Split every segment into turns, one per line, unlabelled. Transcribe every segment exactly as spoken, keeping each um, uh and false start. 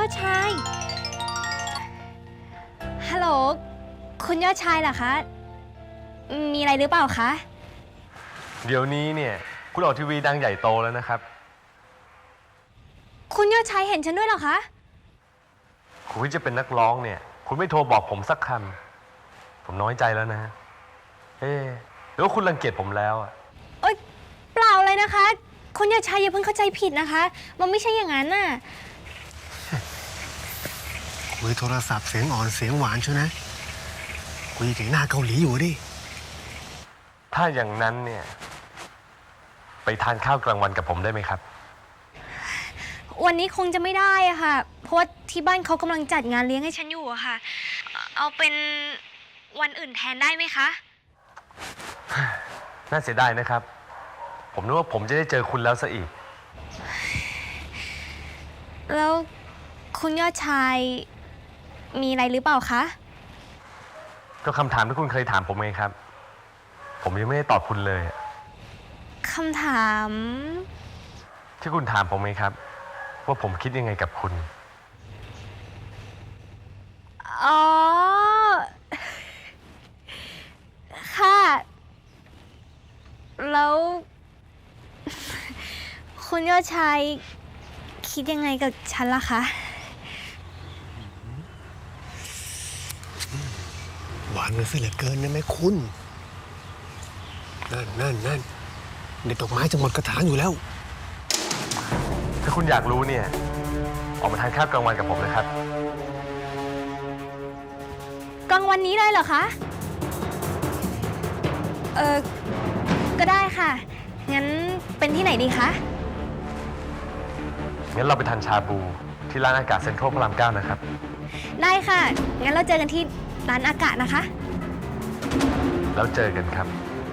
อดชายฮัลโหลคุณยอดชายเหรอคะมีอะไรหรือเปล่าคะ
เดี๋ยวนี้เนี่ยคุณออกทีวีดังใหญ่โตแล้วนะครับ
คุณยอดชายเห็นฉันด้วยเหรอคะ
คุณจะเป็นนักร้องเนี่ยคุณไม่โทรบอกผมสักคำผมน้อยใจแล้วนะเอ๊ะหรือว่าคุณรังเกียจผมแล้วอ่ะ
เอ้ยเปล่าเลยนะคะคุณยอดชายอย่าเพิ่งเข้าใจผิดนะคะมันไม่ใช่อย่างนั้นน่ะ
คุยโทรศัพท์เสียงอ่อนเสียงหวานชัวนะคุยถึงหน้าเกาหลีอยู่ดิ
ถ้าอย่างนั้นเนี่ยไปทานข้าวกลางวันกับผมได้ไหมครับ
วันนี้คงจะไม่ได้อะค่ะเพราะว่าที่บ้านเขากำลังจัดงานเลี้ยงให้ฉันอยู่อะค่ะเอาเป็นวันอื่นแทนได้ไหมคะ
น่าเสียดายนะครับผมนึกว่าผมจะได้เจอคุณแล้วซะอีก
แล้วคุณยอดชายมีอะไรหรือเปล่าคะ
ก็คำถามที่คุณเคยถามผมไงครับผมยังไม่ได้ตอบคุณเลย
คำถาม
ที่คุณถามผมไงครับว่าผมคิดยังไงกับคุณ
อ๋อค่ะแล้วคุณยอดชายคิดยังไงกับฉันล่ะคะ
หวานกันซะเหลือเกินนะแม่คุณนั่นนั่นนั่นเด็ดดอกไม้จะหมดกระถางอยู่แล้ว
ถ้าคุณอยากรู้เนี่ยออกมาทานข้าวกลางวันกับผมนะครับ
กลางวันนี้เลยเหรอคะเออก็ได้ค่ะงั้นเป็นที่ไหนดีคะ
งั้นเราไปทานชาบูที่ร้านอากาศเซ็นทรัลพระรามเก้านะครับ
ได้ค่ะงั้นเราเจอกันที่ร้านอากาศนะคะ
แล้วเจอกันครับ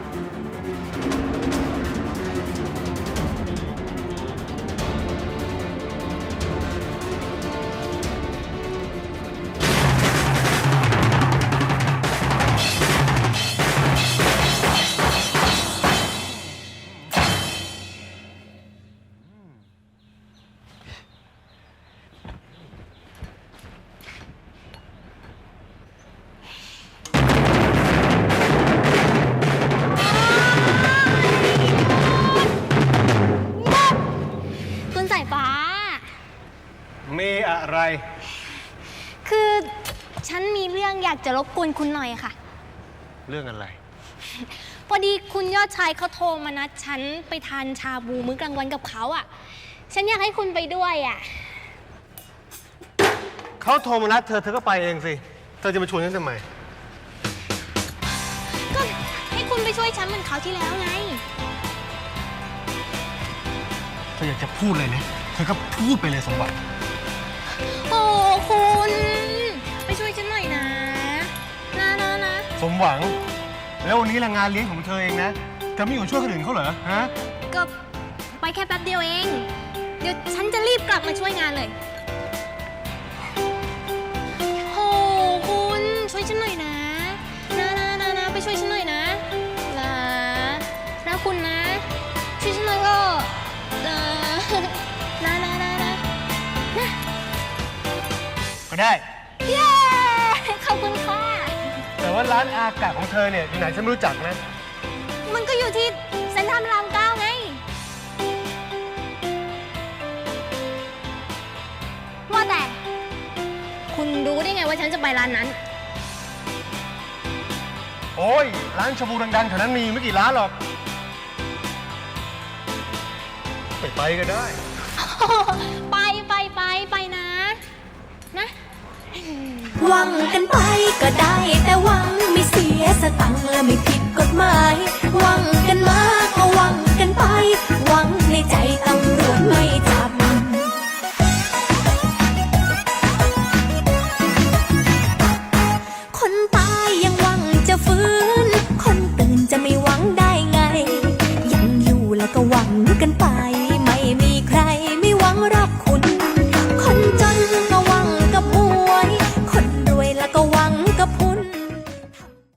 มีอะไร
คือฉันมีเรื่องอยากจะรบกวนคุณหน่อยค่ะ
เรื่องอะไร
พอดีคุณยอดชายเขาโทรมานัดฉันไปทานชาบูมื้อกลางวันกับเขาอ่ะฉันอยากให้คุณไปด้วยอ่ะ
เขาโทรมานัดเธอเธอก็ไปเองสิเธอจะมาชวนฉันทำไม
ก็ให้คุณไปช่วยฉันเหมือนคราวที่แล้วไง
เธออยากจะพูดเลยนะเธอก็พูดไปเลยสมบัติ
โอ้คุณไปช่วยฉันหน่อยนะนะนะนะ
สมหวังแล้ววันนี้ละงานเลี้ยงของเธอเองนะเธอไม่อยู่ช่วยคนอื่นเขาเหรอฮะ
ก็ไปแค่แป๊บเดียวเองเดี๋ยวฉันจะรีบกลับมาช่วยงานเลยโอ้คุณช่วยฉันหน่อยนะนะนะนะนะไปช่วยฉันหน่อยนะนะนะคุณนะช่วยฉันหน่อยก็นะนะนะนะนะนะ
ก็ได้
เย้ขอบคุณค่ะ
แต่ว่าร้านอากาศของเธอเนี่ยอยู่ไหนฉันไม่รู้จักนะ
มันก็อยู่ที่เซ็นทรัลพระรามเก้าไงว่าแต่คุณรู้ได้ไงว่าฉันจะไปร้านนั้น
โอ้ยร้านชาบูดังๆแถวนั้นมีไม่กี่ร้านหรอกไปไปก็ได้
ไปไปไปไปนะนะ
หวังกันไปก็ได้แต่หวังไม่เสียสตังค์และไม่ผิดกฎหมายหวังกันมาก็หวัง